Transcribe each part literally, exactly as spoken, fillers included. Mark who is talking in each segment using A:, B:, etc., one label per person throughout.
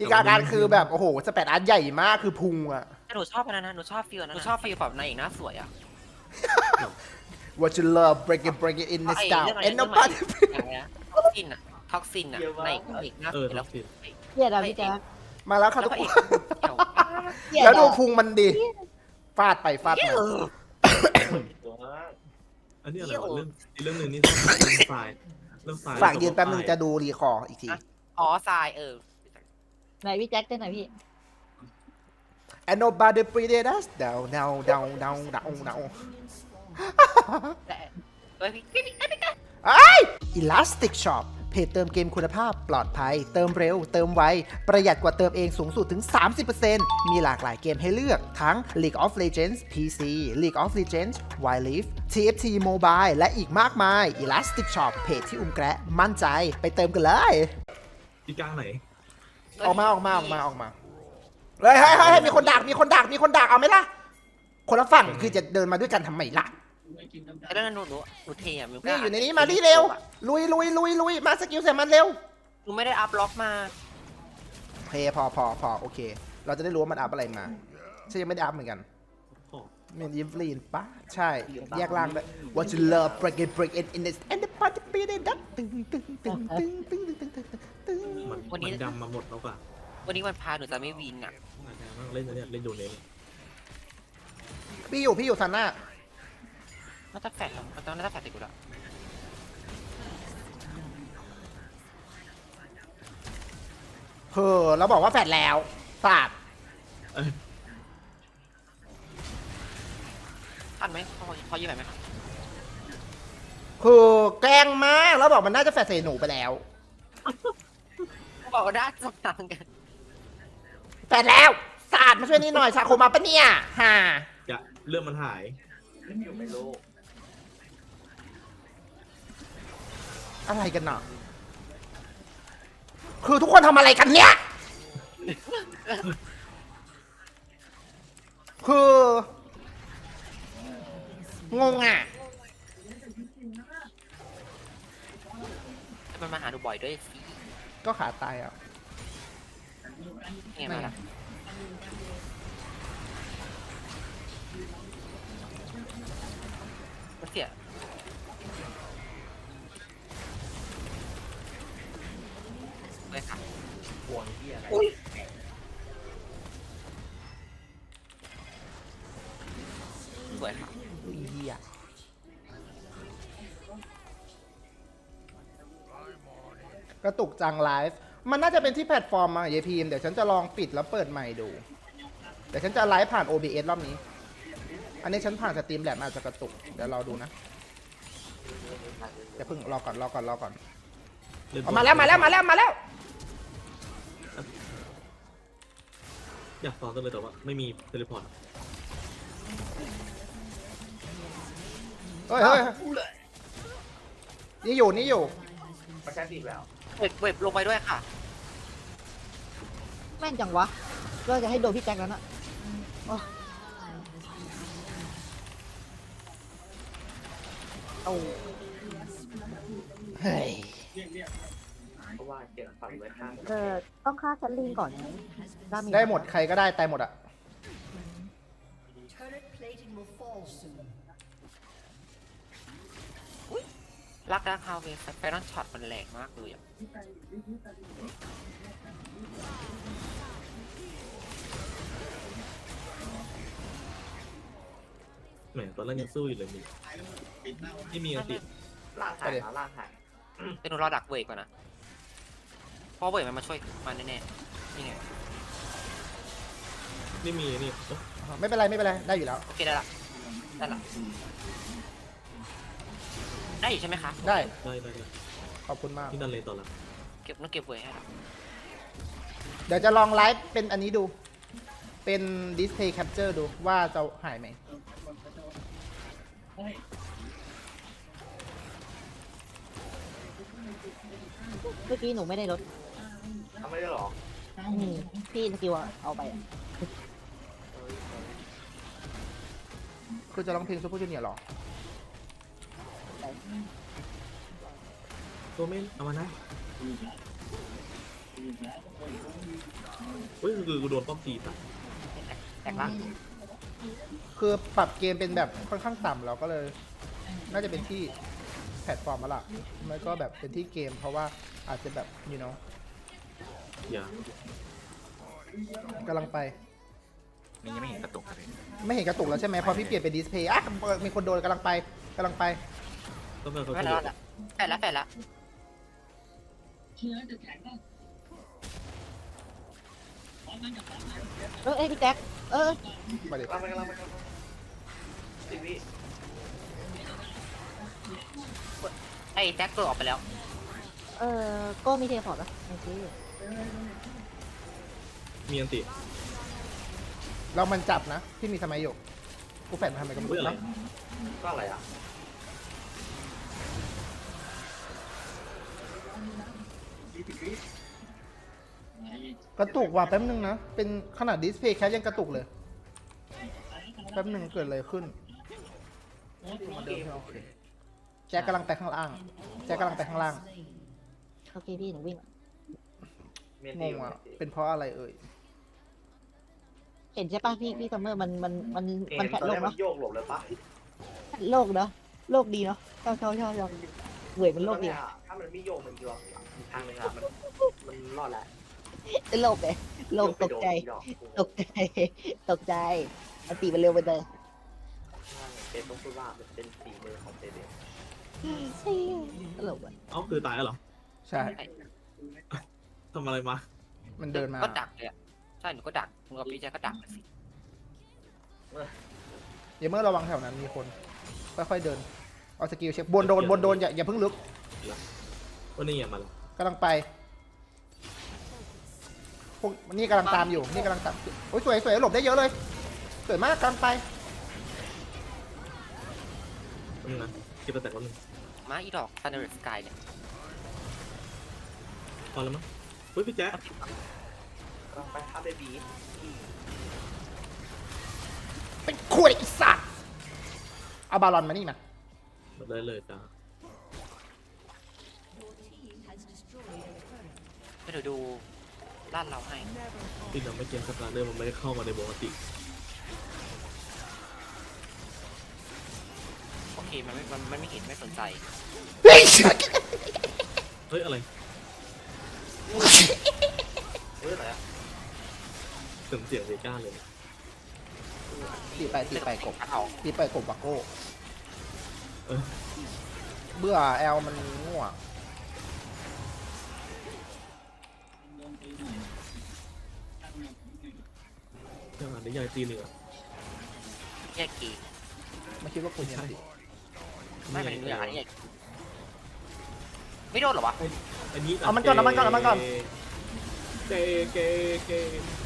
A: กาการคือแบบโอ้โหสเปดอาร์ตใหญ่มากคือพุงอะ
B: หนูชอบอันนั้นนะหนูชอบฟิลนั้นหนูชอบฟิลแบบนายเอกหน้าสวยอ่ะ
A: What you love break it break it in the
B: ไอ้
A: style
B: เรื่องอะไร
A: and
B: เรื่องใหม่
A: nobody
B: อย่างเงี้ยท็อกซินอะท็อกซินอะนายเอกหน้าส
C: เอ
B: ว
C: อย
B: แล้ว
C: ท็อกซิน
D: เกลียดอะพี่แจ๊ค
A: มาแล้วค่ะ
B: แล้ว
A: ทุก
B: พระ
A: ค
B: เอก
A: น
B: เกี่ยว
D: เกลียด
A: แล้วดู
D: อะ
A: พุงมันดิฟาดไปฟาดมา
C: อันนี้อะไรวะเรื่องอีกเรื่องหนึ่งนี่เรื่องทรายเรื่องทราย
A: ฝากยืนแป๊บนึงจะดูรีคอร์อีกที
B: อ๋อทรายเออ
D: ไหนพี่แจ๊คเต้นหน่อยพี่
A: and nobody breathe us down down down down down down
B: แต่เฮ้ยพี่พี่พี่พี่
A: ไอ้ Elastic Shop เพจเติมเกมคุณภาพปลอดภัย เติมเร็ว เติมไว ประหยัดกว่าเติมเองสูงสุดถึง สามสิบเปอร์เซ็นต์ มีหลากหลายเกมให้เลือกทั้ง League of Legends พี ซี League of Legends Wild Rift ที เอฟ ที Mobile และอีกมากมาย Elastic Shop เพจที่อุ้มแกะมั่นใจไปเติมกันเลย
C: อีกลางไหน
A: ออกมาออกมาออกมาออกมาเฮ้ยเฮ้ยเฮ้ยมีคนดักมีคนดักมีคนดักเอาไหมล่ะ คนละฝั่งคือจะเดินมาด้วยกันทำไมล่ะ
B: ไอ้เรื่องนั้นหนูหนูหนูเทียมิว
A: นี่อยู่ในนี้มาดิเร็ว ลุยลุยลุยลุยมาสกิลใส่มันเร็ว
B: หนูไม่ได้อัพล็อกมา
A: เพย์พอพอพอโอเค เราจะได้รู้ว่ามันอัพอะไรมาฉันยังไม่ได้อัพเหมือนกัน
C: โอ้
A: มันยิฟลีนปะใช่ แยกล่างด้วย What you love break it break it in this and the party be it ดักตึงตึงตึงตึงตึงตึงตึงตึงตึง
C: มันมันดำมาหมดแล้วป่ะ
B: วันนี้วันพาหนูจะไม่วินอ่ะ
C: เล่นเนี่ยเล่นโดนเลย
A: พี่อยู่พี่อยู่ซันน่า
B: น่าจะแฟดแล้วมันต้องน่าจะแฟดติดกูแล้ว
A: เฮ้อเราบอกว่าแฟดแล้วสาด
B: ทันไหมพอพอยืมไหมครับ
A: คือแกล้งมากแล้วบอกมันน่าจะแฟดใส่หนูไปแล้ว
B: บอกว่าได้สตางกัน
A: แฟดแล้วสาดมาช่วยนี่หน่อยซาโคมาปะเนี่ยฮ่า
C: จะเรื่องมันหาย
A: อะไรกันเนาะคือทุกคนทำอะไรกันเนี่ย คืองงอ่ะ
B: มันมาหาหนูบ่อยด้วยสิ
A: ก็ขาตายอ่ะ
B: ไงมาล่ะเสียเลยค่ะอุ้ยสวยค่ะ
A: อีเหี้ยกระตุกจังไลฟ์มันน่าจะเป็นที่แพลตฟอร์มอะเยพีมเดี๋ยวฉันจะลองปิดแล้วเปิดใหม่ดู เดี๋ยวฉันจะไลฟ์ผ่าน โอ บี เอส รอบนี้ อันนี้ฉันผ่านสตรีมแลบอาจจะกระตุก เดี๋ยวรอดูนะอย่าเพิ่งรอก่อนรอก่อนรอก่อนเอามาแล้วมาแล้วมาแล้วมาแล้ว
C: อยากซ้อนกันเลยแต่ว่าไม่มีเทเลพอร์ต
A: เฮ้ยเฮ้ยนี่อยู่นี่อยู่
B: เว็บเว็บลงไปด้วยค่ะ
D: แม่นจังวะก็จะให้โดนพี่แจ๊คแล้วน่ะโอ้
A: เอาเฮ้ย
D: เออต้องฆ่าแคทลิงก่อนนะดาเมจ
A: ได้หมดใครก็ได้ตายหมดอะ
E: Turret plating will fall soon.
B: รักดักฮาวเวสแฟนนช็อตมันแรงมากเลยอ่ะ
C: แหมตอนแรกยังสู้อยู่เลยมีไม่มีอันติด
B: ล่างหายล่างหายแต่หนูรอดักเวกก่อนนะเพราะเวกมันมาช่วยมันแน่ๆนี่ไง
C: ไม่มีนี่
A: ไม่เป็นไรไม่เป็นไรได้อยู่แล้ว
B: โอเคได้ละได้ละได้อยู่ใช่ไหมคะ
A: ได้
C: ได้ได้
A: ขอบคุณมาก
C: ที่นั่นเลยต่อละ
B: เก็บต้องเก็บเวกให้ละ
A: เดี๋ยวจะลองไลฟ์เป็นอันนี้ดู เป็น display capture ดูว่าจะหายไหม
D: เมื่อกี้หนูไม่ได้ลด
B: ทำไม่ได้หรอ
D: อืมพี่สกิลอะเอาไปอะ
A: คือจะร้องเพลงซูเปอร์จูเนียร์หรอ
C: ตัวเมนเอามานะเฮ้ยคือกูโดนป้อมตีตาย
B: แตกล่าง
A: คือปรับเกมเป็นแบบค่อนข้างต่ำเราก็เลย น่าจะเป็นที่แพลตฟอร์มแล้วล่ะไม่ก็แบบเป็นที่เกม เพราะว่าอาจจะแบบ you know
C: อย่าก
A: ำลังไป
F: นี่ยังไม่เห็นกระตุกเลย
A: ไม่เห็นกระตุกแล้วใช่ไหมพอพี่เปลี่ยนเป็นดิสเพย์อ่ะมีคนโดนกำลังไปกำลังไป
C: ต้องเป็นเขา
B: ไม่
C: เฉ
B: แล้ว
C: ลี่ย
B: ละแฝดละแฝดละ
D: เออเอ้ยพี่แจ็คเออ
A: มาดิ
B: เราไปเราไปสิวิไอ้แจ็คตัวออกไปแล้ว
D: เออโก้มีเทพอร์ตปะโอเค
C: มีอันติ
A: เรามันจับนะพี่มีทำไมอยู่กูแฝดมาทำไมก็ไม่
C: เฮ้ย
A: รู้
C: อะไร
A: นะ
B: ก็อะไรอ่ะ
A: กระตุกว่ะแป๊บนึงนะเป็นขนาดดิสเพย์แคปยังกระตุกเลยแป๊บนึงเกิดอะไรขึ้นแจ็คกำลังไปข้างล่างแจ็คกำลังไปข้างล่าง
D: โอเคพี่หนูวิ่ง
A: งงอ่ะเป็นเพราะอะไรเอ่ย
D: เห็นใช่ปะพี่พี่ซัมเมอร์มันมันมันมันแผดโลกเนาะ
B: โยกหลบเลยปะ
D: แผดโลกเนาะโลกดีเนาะชอบชอบชอบชอบเหนื่อยมันโลกดี
B: ถ้ามันไม่โยกมันโยกอีกทางหนึงอะมันมันรอดแล้ว
D: เป็นโลกเลยโลกตกใจตกใจตกใจอันตีมันเร็วไปเลย
B: เป็นต้องพูดว่ามันเป็นฝีมือของเตเด
D: เฮ้ยตลกอ่ะ
C: เอ้าคือตายแล้วเหรอ
A: ใช่
C: ทำอะไรมา
A: มันเดินมา
B: ก็ดักเลยอ่ะใช่หนูก็ดักหนูกับพี่แจ็คก็ดักสิ
A: อย่าเมื่อระวังแถวนั้นมีคนค่อยๆเดินเอาสกิลเช็คบนโดนบนโดนอย่าอย่าเพิ่งลึก
C: วันนี้อย่ามาละ
A: กำลังไปพวกนี่กำลังตามอยู่นี่กำลังตามโอ้ยสวยสวยหลบได้เยอะเลยสวยมากกำลังไป
C: นี่นะเก็บแต่คนนึง
B: มาอีดอกซันเดอร์สกายเนี่ย
C: พอแล้วมั้งเฮ้ยพี่แจ๊ค
B: ไปทับเบบี
A: เป็นขวดอีสัตว์เอาบาลอนมานี่มา
C: หมดเลยเลยจ้า
B: ให้หนูดูลาดเราให้
C: ที่เราไม่เกมสตาร์เดอร์มันไม่ได้เข้ามาในปกติ
B: โอเคมันไม่มันมันไม่เห็นไม่สนใจ
A: เฮ้ย
C: เฮ้ยอะไร
B: เฮ้ยอะไรอ่ะ
C: เสียงเสียงเวก้าเลย
A: ตีไปตีไปกบ
B: เอา
A: ตีไปกบวักโก้
C: เออ
A: เบื่อแอลมันง่วง
C: เจ้าหน้าที่ใหญ่ตีหนึ่งอ่ะ
B: แยกกี
A: ไม่คิดว่าคุณยังติด
B: ไม่เป็นเนื้ออันนี้แยกไม่โดนหรอวะ
C: อันนี้
A: เอามันก่อนเอามันก่อนเอามันก่อน
C: เกเกเก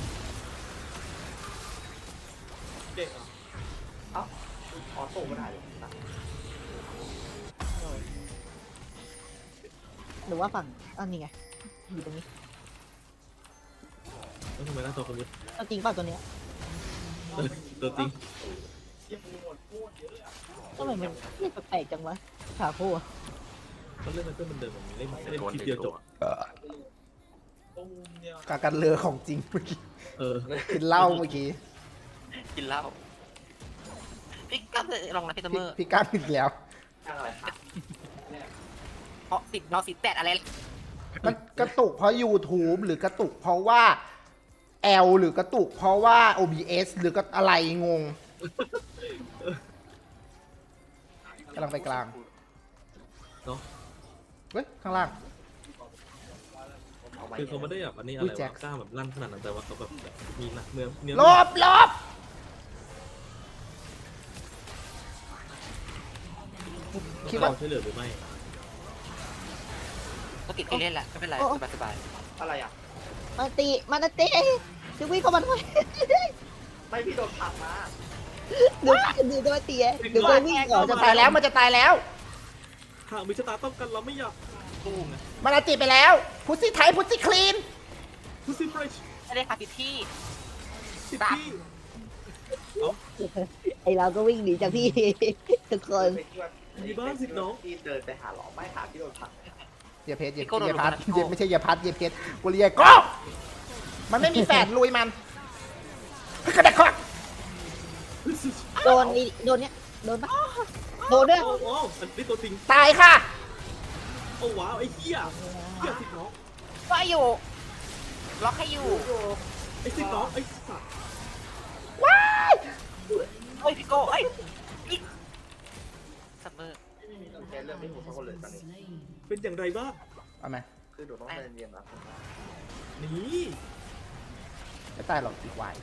C: เกอ่ะ
B: ออโต้ไม่ได้เลย
D: หรือว่าฝั่งอันนี้ไงอยู่ตรงนี้
C: แล้วทำไมหน้าตัวคนนี้
D: เอาจริงเปล่าตัวเนี้ย
C: ตัวจริง
D: ทำไมมันเรียกแปลกๆจังวะขาโค้อะ
C: มันเล่นมันก็มันเดิมมันเล่นเล่น
F: โดน
C: คลิป
F: หนึ่ง
C: เดียวจ
F: ตั
C: บ
F: ว
A: กากันเลอของจริงเมื่อกี้
C: เออ
A: กินเหล้าเมื่อกี้
B: กินเหล้าพี่กั๊บลองนะพี่เสม
A: พี่
B: อ
A: พี่ก้าวอีกแล้ว
B: อะไรเพราะสิบเราสิบแปดอะไร
A: มันกระตุกเพราะ YouTube หรือกระตุกเพราะว่า L หรือกระตุกเพราะว่า โอ บี เอส หรือก็อะไรงงกำลังไปกลาง
C: เนาะ
A: เฮ้ย ข้างล่าง
C: คือเขาไม่ได้แบบอันนี้อะไร
A: อุ้ยแจ็
C: วะ
A: ค
C: กล้าแบบลั่นขนาดนั้นแต่ว่าเขาแบบมีหนักเนื้อเนื้อ
A: ลบลบคิดว่า
C: เราช่วยเหลือหรือไม่
B: ก็ติดไปเล่นแหละไม่เป็นไรสบายสบายอะไรอ่ะ
D: มาตีมานาตีจะวิ่งเข้ามาทำไม
B: ไม่พี่โดนผักมา
D: ดูดูโดนตีเดี๋ยวโดนวิ่งก่อน
A: จะตายแล้วมันจะตายแล้ว
C: หากมีชะตาต้องกันเราไม่อยากตู้ไง
A: มันอาติไปแล้ว พุซซี่ไทยพุซซี่คลีน
C: พุซี่เฟรช
B: ไม่ได้ค่ะพี่พี่
C: สิบที่
D: ไอเราก็วิ่งหนีจากพี่ ทุกคน
C: มีบ้านสิบน้อง
B: พี่เดินไปหาหลอไม่หาพี่โดนผัก
A: เยเพชรเย
B: พี่โก้โดน
A: เยพัด
B: ลงมาพี่โก้
A: เยไม่ใช่เยพัดเยเพชรกูเรียกก็มันไม่มีแฝดลุยมันกระเด็กข้อ
D: โดนนี่โดนเนี้ยโดนปะโดนด้วย
C: โอ้โหอันนี้ตัวจริง
A: ตายค่ะ
C: โอ้ว้าวไอ้เหี้ยเหี้ยสิบน้อง
B: ก็อยู่ล็อกให้อยู่
C: ไอ้สิบน้องไอ้สัตว์
A: ว้าย
B: เฮ้ยพี่โก้เอ้ยอีกซัมเมอร์
G: แค่เรื่องไม่ถูกทั้งคนเลยตอนนี้
C: เป็นอย่างไรบ้าง
A: เอาไหม
G: คือหนูต้องเรียนเรียนนะผมว่า
C: นี่
A: ไม่ตายหรอกอีกวาย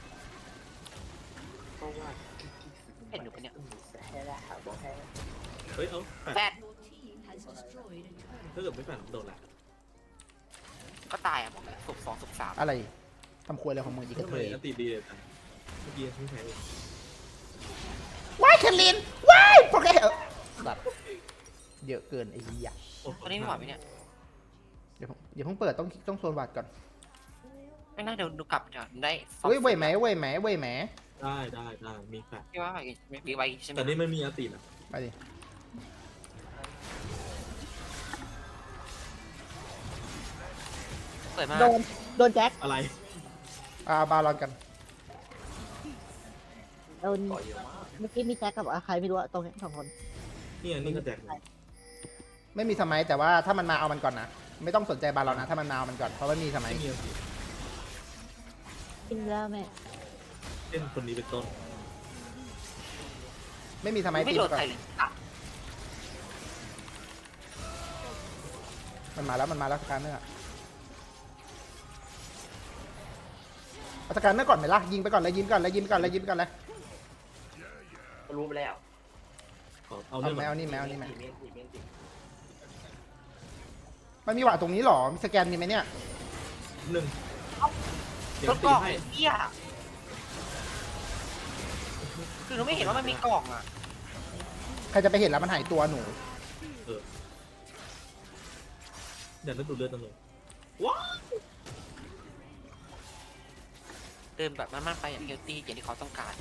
G: เพราะว่า
B: เห็นหนูปะเนี่ย
G: แค่ละหาบอกแค่
C: เฮ้ยเอาแปด
B: แฟด
C: ถ้าเกิดไม่แปดโดนแหละ
B: ก็ตายอ่ะบอกเลยศพสองศพสาม
A: อะไรทำครัวอะไรของมึงอีกกระ
C: ทำ
A: เท
C: ไม
A: ย
C: อันตีดีเลยจังเมื่อกี้ไม่แพ้เลย
A: ว้ายแคลินว้ายโปรแกรมเออแบบเยอะเกินไอ้เหี้ย
C: โอ้
B: ตอนนี้ไม่ไหวไหมเนี่ย
A: เดี๋ยวผมเดี๋ยวเพิ่งเปิดต้องต้องโซนวัดก่อน
B: ไม่น่าเดี๋ยวดูกลับจะได้
A: เว้ยเว้ยแหมเว้ยแหมเว้ยแหม
C: ได้ได้ได้มีแปด
B: พี่ว่าไมีไว้ใช่ไหม
C: แต่นี่ไม่มีอันตีนะ
A: ไปดิ
B: เปิดมา
D: โดนโดนแจ็ค
C: อะไร
A: อ่าบาลอนกัน
D: โดน
G: ต่อเยอะมาก
D: เมื่อกี้มีแจ็คกับใครไม่รู้อะตรงเนี้ยสองคน
C: นี่อันนี้ก็แจกเลย
A: ไม่มีสมัยแต่ว่าถ้ามันมาเอามันก่อนนะไม่ต้องสนใจบาลอนนะถ้ามันมาเอามันก่อนเพราะว่ามีสมัย
C: ไม่มีอันตี
D: กินแล้วแม่
C: เช่นคนนี้เป็นต้น
A: ไม่มีสมัย
B: ไม่
A: ตี
B: โด
A: มาน ก่อ
B: ใคร
A: น
B: เลยอ่ะ
A: มันมาแล้วมันมาแล้วสการเนอร์เอาสการเนอร์ก่อนไหมล่ะยิงไปก่อนเลยยิงก่อนเลยยิงก่อนเลยยิงก่อนเลย
G: รู้ไปแล้ว
C: ขอเอา
A: เอา
C: เรื่อง
A: แมวนี่แมวนี่แมว
G: เมนตีเมนตี
A: มันมีหวาตรงนี้หรอมีสแกนมีไหมเนี่ย
C: หนึ่งเดี๋ย
B: ร
C: ว
B: ถก
C: ตี
B: ล่อง
C: ให้
B: เหี้ยคือหนูไม่เห็นว่ามันมีกล่องอ่ะ
A: ใครจะไปเห็นแล้วมันหายตัวหนู
C: เดี๋ยวนั่นดูเลือดนั่นเลยว้าว
B: เดินแบบมันๆไปอย่างเฮลตี้อย่างที่เขาต้องการ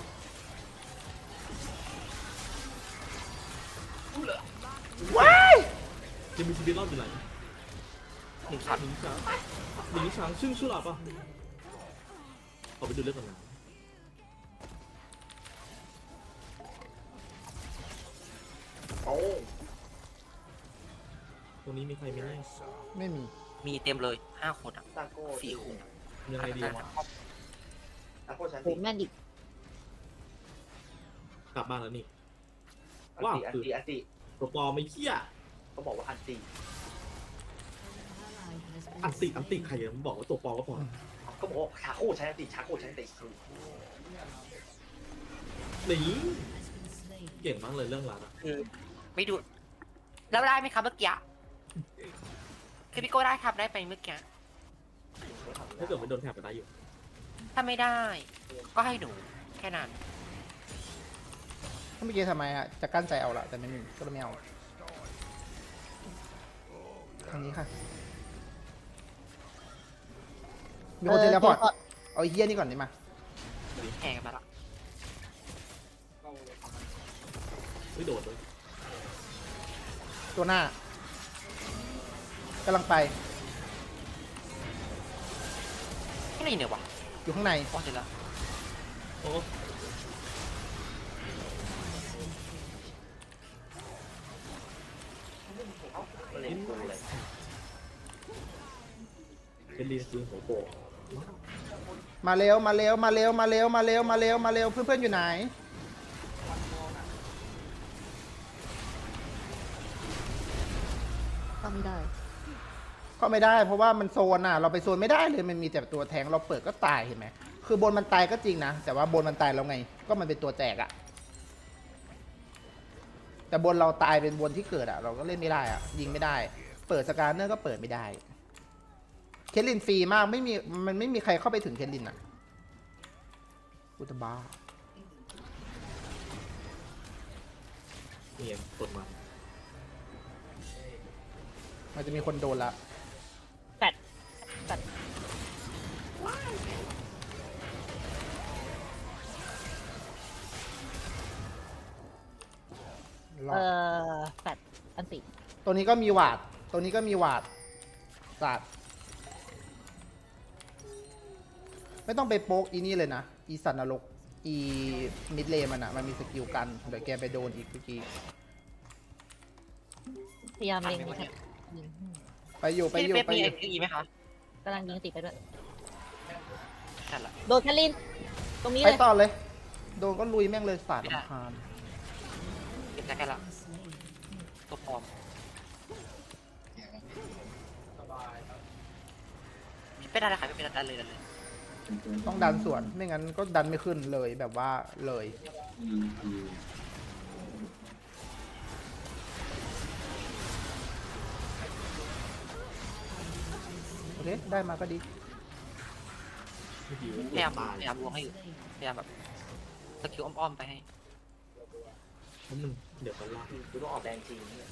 A: ว้าย
C: จะมีชีวิตรอดอยู่ไหน
B: หนึ่งช็อต
C: หนึ่งช้างหนึ่งช้างซึ่งชื่อหลับป่ะขอไปดูเลือดก่อนนะ
G: โอ้
C: ตรงนี้มีใครไหมเนี่ย
A: ไม่มี
B: มีเต็มเลยห้าคนอ่ะ
G: ตาโก้
B: สี่คนอะ
C: ยังไงดีวะ
G: ตาโก้ชั้น
D: โห
G: สี่
D: แม่นอีก
C: กลับบ้านแล้วนี่
G: อันตีอันตีอันตี
C: ตัวปลอมไม่เขี้ย
G: เขาบอกว่าอันตี
C: อันติอันติใครอะมันบอกว่าตัวปลอมก็พอ
G: เขาบอกว่าชาโก้ใช้อันตีชาโก้ใช้อันตีคือ
C: หนีเก่งมากเลยเรื่องราวอะ
B: คือไม่ดูแล้วได้ไหมครับเมื่อกี้คือพี่โก้ได้ครับได้ไปเมื่อกี้
C: ถ้าเกิดไม่โดนแถบไปได้อยู่
B: ถ้าไม่ได้ ก็ให้หนูแค่นั้น
A: ถ้าเมื่อกี้ทำไมอะจะกั้นใจเอาละแต่ไม่มีก็เลยไม่เอาทางนี้ค่ะมีคนเทเลพอร์ตเอาไอ้เฮี้ยนี่ก่อนดิมา
B: แข่งกันมาละ
C: ไม่โดดเลย
A: ตัวหน้ากำลังไป
B: ไม่ได้ยินเลยวะ
A: อยู่ข้างใน
B: พอเสร็จแล้ว
C: โอ้
G: เล่นกูเลย
C: เป็นลีนซีหัวโปะ
A: มาเร็วมาเร็วมาเร็วมาเร็วมาเร็วมาเร็วมาเร็วเพื่อนๆอยู่ไหน
D: ก็ไม่ได้
A: ก็ไม่ได้เพราะว่ามันโซนอ่ะเราไปโซนไม่ได้เลยมันมีแต่ตัวแทงเราเปิดก็ตายเห็นไหมคือบนมันตายก็จริงนะแต่ว่าบนมันตายแล้วไง ก็มันเป็นตัวแจกอ่ะแต่บนเราตายเป็นบนที่เกิดอ่ะ เราก็เล่นไม่ได้อ่ะ ยิงไม่ได้ เปิดสการเนอร์ก็เปิดไม่ได้เคทลินฟรีมากไม่มีมันไม่มีใครเข้าไปถึงเคทลินอ่ะอุตบ้า
C: เนี่ยกดมา
A: มันจะมีคนโดนละ
D: แปดแปด
A: รอ
D: เอ่
A: ด
D: อแปดอันติ
A: ตัวนี้ก็มีหวาดตัวนี้ก็มีหวาดศาสตร์ไม่ต้องไปโป๊กอีนี่เลยนะ อีสันนรก อีมิดเลมันอะมันมีสกิลกัน เดี๋ยวแกไปโดนอีกเมื่อกี้
D: พยายามเล็งนี่ครับยิง
A: ไปอยู่ไป
B: พี่
A: อยู่
B: เป๊ป
A: ไป
B: มี
A: อ
B: เอยู่ พีไหมคะ
D: กำลังยิงติดไปด้วย
B: นั่นแหละ
D: โดนแคลิน ตรงนี้
A: ไป
D: เลย
A: ต่อเลย โดนก็ลุยแม่งเลยศาสตร์ลำคาญ
B: เก็บแจ็คแค่ละตัวปลอมไม่ได้เลยค่ะไม่เป็นดันเลยดันเลย
A: ต้องดันสวน ไม่งั้นก็ดันไม่ขึ้นเลยแบบว่าเลย โอเค ได้มาก็ดี
C: ไม่ดี
B: พยายามพยายามลวงให้อยู่พยายามแบบสกิลอ้อมๆไปให้
C: เพราะมันเดี๋ยวกันล่าง
G: กูต้องออกแดงจริงเนี่ย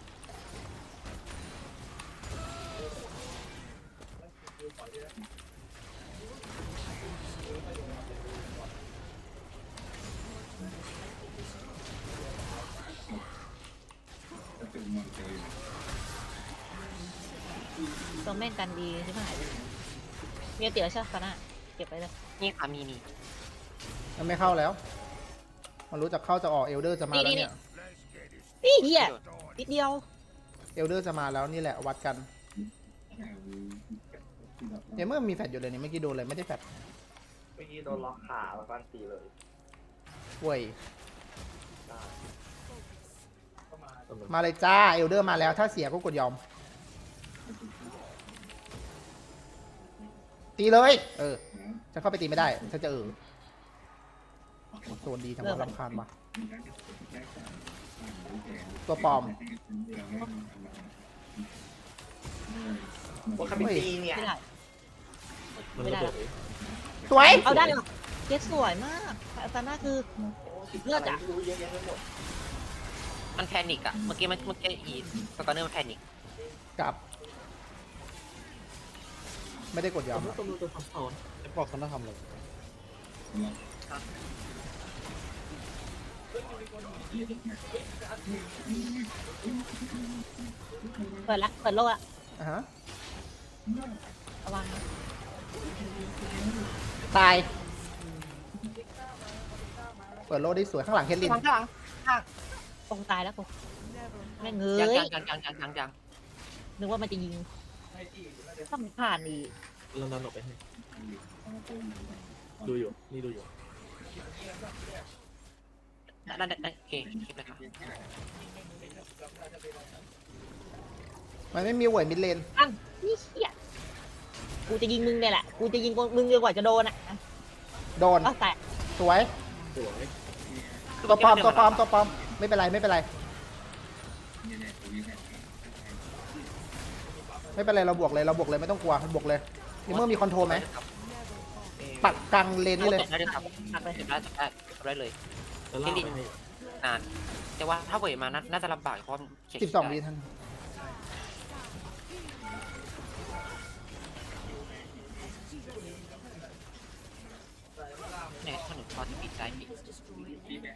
D: ตรงแม่งกันดีใช่ไหมมีเตี๋ยวใช่ไหมนะเก็บไปเลย
B: นี่ค่ะมีนี่
A: มันไม่เข้าแล้ว มันรู้จักเข้าจะออกเอลเดอร์จะมาแล้วเนี่ย
D: นี่เหี้ยนิดเดียว
A: เอลเดอร์จะมาแล้วนี่แหละวัดกันเนี่ยเมื่อมีแฟดอยู่เลยเนี่ยเมื่อกี้โดนเลยไม่ได้แฟด
G: เมื่อกี้โดนล็อกขาแล้วก็อันตีเลย
A: เว้ย
G: ได้
A: มาเลยจ้าเอลเดอร์มาแล้วถ้าเสียก็กดยอม ตีเลย เออจะเข้าไปตีไม่ได้ถ้าจะเออโซนดีจังหวะรำคาญว่ะตัวปลอม
G: ว่าคาบิตีเนี่ย
D: ไม่ได้
C: มัน
D: ไม่
C: ระ
D: ได้
C: เบิด
A: สวย
D: เอาได้หรอเกสสวยมากซาน่าคือ เลือดอะ
G: รู้เยอะแยะไปหมด
B: มันแพนิกอะเมื่อกี้มันเมื่อกี้อีสตาร์เนอร์มันแพนิก
A: กลับ ไม่ได้กดยอ
C: แต่
A: ม
C: ถ้าตำรวจจะทำเอา
A: บอกเขาต้องทำเลย
D: เปิดละเปิดโลกละ
A: อ่ะฮะ
D: ระวังนะ
A: ตาย เปิดโลได้สวยข้างหลังเคทลิน
B: ข้างหลังข้าง
D: คงตายแล้วกูแม่งเฮ้
B: ยัง
D: ย
B: ยังยังยังยังยังยัง
D: นึกว่ามันจะยิงต้องผ่านอีก
C: เราดันออกไปให้ดูอยู่ นี่ดูอยู่
B: นั่นนั่นนั่นโอเคคลิปเลยค่ะ
A: มันไม่มีเวยมิดเลน
D: อันนี่เหี้ยกูจะยิงมึงเนี่ยแหละ กูจะยิงมึงจนกว่าจะโดนอ่ะ
A: โดน
D: ก็แต่
A: สวย
C: สวย
A: ตัวปลอมตัวปลอมตัวปลอมไม่เป็นไรไม่เป็นไร ไม่เป็นไรเราบวกเลยเราบวกเลยไม่ต้องกลัวบวกเลยนี่เมื่อมีคอนโทรลไหมปักกลางเลนนี่เลย
B: จบได้เลยครับ
D: หักไป
B: จบได้จบได้จบได้เลย
C: แล้วลากไปให้
B: นาน แต่ว่าถ้าเวยมาน่าน่าจะลำบากเพราะเขียน
A: สิบสองวิท่าน
B: เนี่ยถนนพอที่ปิดใจปิด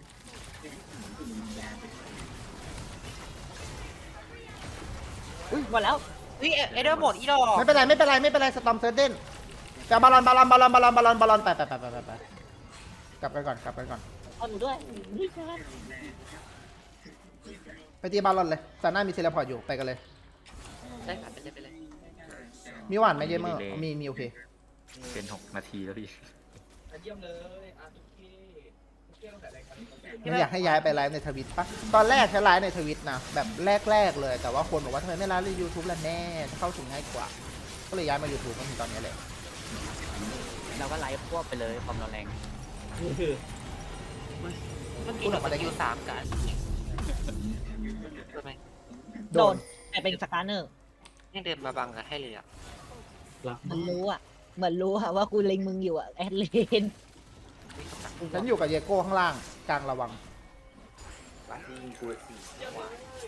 D: หมดแล้ว
B: เฮ้ยเอเดอร์หมดอีดอก
A: ไม่เป็นไรไม่เป็นไรไม่เป็นไรสตอมเซอร์เดนแต่บอลลอนบอลลอนบอลลอนบอลลอนบอลลอนบอลลอนไปไปไปไปไปไปกลับกันก่อนกลับกันก่อน
D: เอาหนูด้วยนี่ใช่ไหม
A: ไปตีบอลลอนเลยซาน่ามีเซเลพอร์ตอยู่ไปกันเลย
B: ได้ค่ะไปเลยไปเลย
A: มีหวานไหมเยเมอร์มีมีโอเค
F: เป็นหกนาทีแล้วพี่
A: ไม่อยากให้ย้ายไปไลฟ์ในทวิตปะตอนแรกใช้ไลฟ์ในทวิตนะแบบแรกๆเลยแต่ว่าคนบอกว่าทำไมไม่ไลฟ์ในยูทูบล่ะแน่เข้าถึงง่ายกว่า ก็เลยย้ายมา YouTube มาถึงตอนนี้แหละ
H: เราก็ไลฟ์ควบไปเลยความเราแรง
C: นี่คือ
B: เมื่อกี้เราสกิลสามกันใช่ไหม
A: โด
D: โด
A: น
D: นแต่เป็นสตาร์เนอร์
B: ยังเดินมาบังกันให้เลยอ่ะ
C: รัก
D: มันรู้อ่ะ เหมือนรู้อะว่ากูเล็งมึงอยู่อะแอดเลน
A: ฉันอยู่กับเยโก้ข้างล่างกลางระวัง
G: ลาซีกูซีว่า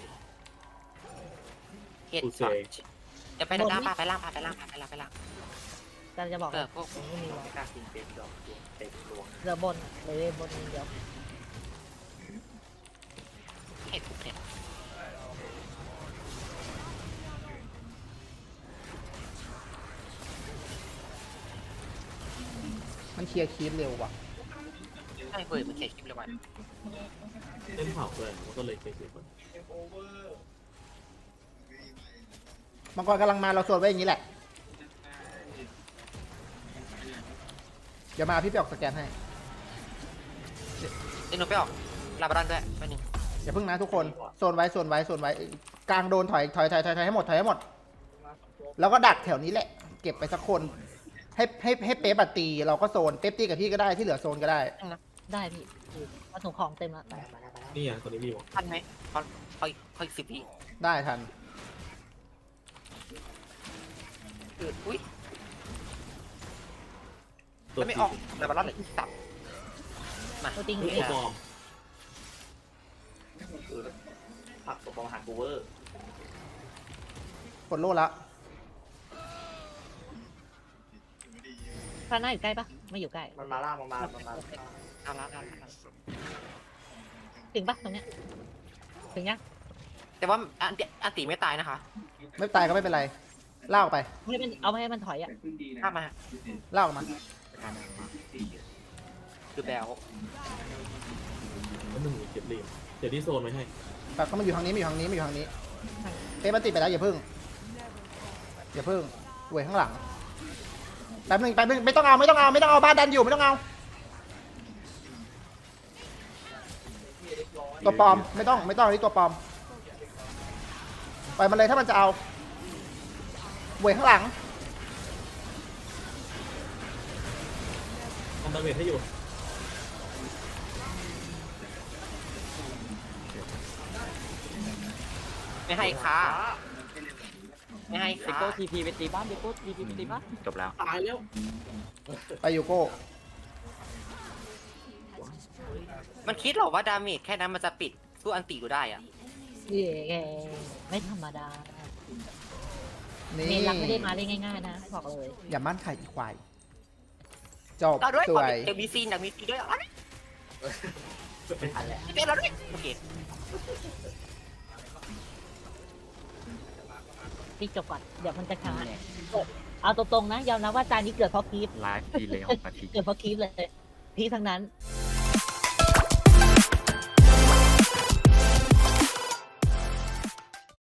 B: เฮ็ดสองจะไปด้านหน้าปะไปล่างปะไปล่างปะไปล่างไปล่าง
D: แต่จะบอก
B: เออพวก
D: ไม่มีหรอก
G: กล้าซีเต็มดอกเต็มดวง
D: เหลือบนเลยบนนิดเดียว
B: เฮ็ดทุกเนี่ย
A: มันเคลียร์คีปเร็วว่ะ
B: ใช่เว้ยมันเขียนคลิปเลยวัน
C: เล่นเผาเลยมันก็เลยเคยเสียคน
A: มังกรกำลังมาเราโซนไว้อย่างนี้แหละ เดี๋ยวมาพี่ไปออกสแกนให้
B: เดี๋ยวหนูไปออกลาบารันด้วยแป๊บนึง
A: อย่าเพิ่งนะทุกคนโซนไว้โซนไว้โซนไว้กลางโดนถอยถอยถอยถอยถอยให้หมดถอยให้หมด แล้วก็ดักแถวนี้แหละ เก็บไปสักคน ให้ให้ให้เป๊ปอะตีเราก็โซนเป๊ปตีกับพี่ก็ได้ที่เหลือโซนก็ได้
D: ได้พี่มาส่งของเต็มแล้ว
G: มาแล้วมาแล้วมาแล้ว
C: นี่อ่ะตอนนี้มีหมด
B: ทันไหมเขาเขาเขาอีกสิบวิ
A: ได้ทัน
B: คืออุ้ย
C: ตัว
B: แล้วไม่ออกลาบารันเลยที่สับมา
D: ตัวจริง
C: ตัว
D: เลย
C: ปลอม
G: คือผักตัวปองหันกูเวอร์
A: กดโล่ละ
D: พระหน้าอยู่ใกล้ปะไม่อยู่ใกล้
G: มันมาล่ามันมามันมา
B: เอาละเอาละเอาละ
D: ถึงปะตรงเนี้ยถึงยัง
B: แต่ว่าอันอันตีไม่ตายนะคะ
A: ไม่ตายก็ไม่เป็นไรลากออกไป
D: ให้มันเอาให้มันถอยอ่ะ
B: ข้ามมา
A: ลากออกมา
B: คือแบล
C: แล้วหนึ่งเก็บเหลี่ยมเดี๋ยวที่โซนไว้ให้
A: แบบก็มาอยู่ทางนี้มาอยู่ทางนี้มาอยู่ทางนี้เป๊ปมันติดไปแล้วอย่าเพิ่งอย่าเพิ่งเวยข้างหลังแป๊บนึงแป๊บนึงไม่ต้องเอาไม่ต้องเอาไม่ต้องเอาบ้านดันอยู่ไม่ต้องเอาตัวปลอมไม่ต้องไม่ต้องนี่ตัวปลอมปล่อยมันเลยถ้ามันจะเอาเวยข้างหลัง
C: ทำดาเมจให้อยู่
B: ไม่ให้ค้าไม่ให้
H: เด
B: ค้า
H: โก้ทีพีไปตีบ้านเดโก้ทีพีไปตีบ้าน
F: จบแล้ว
C: ตายแล้ว
A: ไปยูโก้
B: มันคิดเหรอว่าดาเมจแค่นั้นมันจะปิดสู้อันตีกูได้อะ
D: เย้ไม่ธรรมดา
A: นี่
D: เมนรักไม่ได้มาได้ง่ายๆนะบอกเลย
A: อย่ามั่นใครอีกควายจบ
B: เราด้วย
A: ส
B: ขอ
A: วย
B: เดี๋ยวมีซีนอยากมีซีนด้วยอะไร
G: ไม่ทันแล้ว
B: เป็นเราด้วยโอเค
D: พี่จบก่อนเดี๋ยวมันจะค้างเอาตรงๆนะยอมรับว่าจานนี้เกิดเพราะคลิป
F: ไลฟ์ดีเลยหกนาที
D: เกิดเพราะคลิปเลยพี่ทั้งนั้น
B: เ